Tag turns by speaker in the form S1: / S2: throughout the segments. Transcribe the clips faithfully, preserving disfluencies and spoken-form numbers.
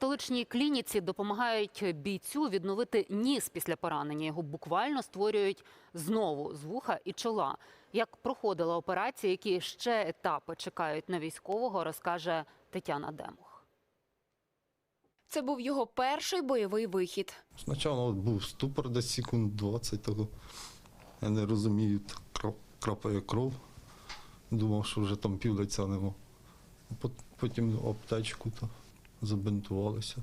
S1: столичній клініці допомагають бійцю відновити ніс після поранення. Його буквально створюють знову з вуха і чола. Як проходила операція, які ще етапи чекають на військового, розкаже Тетяна Демух.
S2: Це був його перший бойовий вихід.
S3: Спочатку був ступор десь секунд двадцять того. Я не розумію, крапає кров. Думав, що вже там півлиця нема. Потім аптечку то забинтувалися.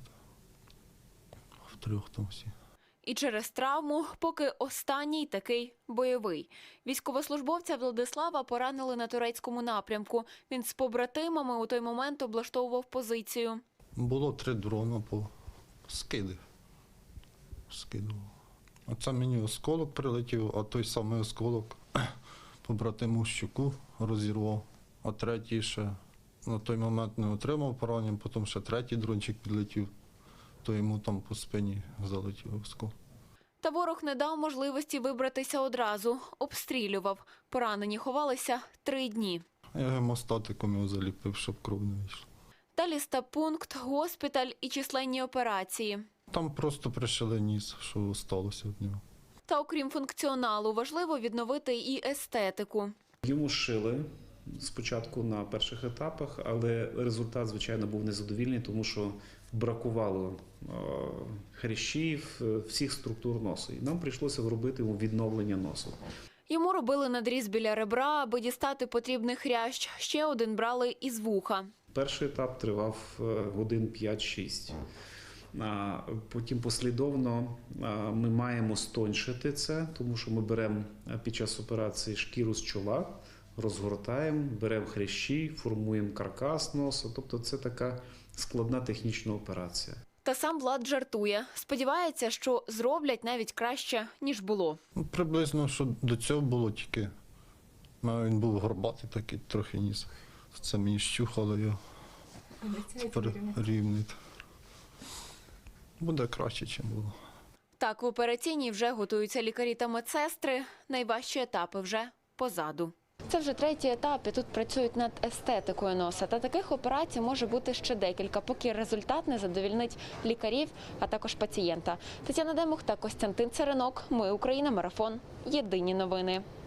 S3: Втрьох там всі.
S2: І через травму, поки останній такий бойовий. Військовослужбовця Владислава поранили на турецькому напрямку. Він з побратимами у той момент облаштовував позицію.
S3: Було три дрона по скиди. Скидував. А це мені осколок прилетів, а той самий осколок побратиму щуку розірвав. А третій ще на той момент не отримав поранення, потім ще третій дрончик підлетів, то йому там по спині залетів осколок.
S2: Та ворог не дав можливості вибратися одразу. Обстрілював. Поранені ховалися три дні.
S3: Я гемостатиком його заліпив, щоб кров не вийшла.
S2: Далі стаб-пункт, госпіталь і численні операції.
S3: Там просто пришили ніс, що сталося від нього.
S2: Та окрім функціоналу, важливо відновити і естетику.
S4: Йому шили спочатку на перших етапах, але результат, звичайно, був незадовільний, тому що бракувало хрящів, всіх структур носу. І нам прийшлося робити йому відновлення носу.
S2: Йому робили надріз біля ребра, аби дістати потрібний хрящ. Ще один брали із вуха.
S4: Перший етап тривав годин п'ять-шість. Потім послідовно ми маємо стоншити це, тому що ми беремо під час операції шкіру з чола, розгортаємо, беремо хрящі, формуємо каркас носу. Тобто це така складна технічна операція.
S2: Та сам Влад жартує. Сподівається, що зроблять навіть краще, ніж було.
S3: Ну, приблизно, що до цього було тільки. Він був горбатий такий, трохи ніс. Це мені щухало його. Тепер рівний. Буде краще, ніж було.
S2: Так, в операційній вже готуються лікарі та медсестри. Найважчі етапи вже позаду. Це вже третій етап, і тут працюють над естетикою носа. Та таких операцій може бути ще декілька, поки результат не задовільнить лікарів, а також пацієнта. Тетяна Демух та Костянтин Царинок. Ми Україна. Марафон. Єдині новини.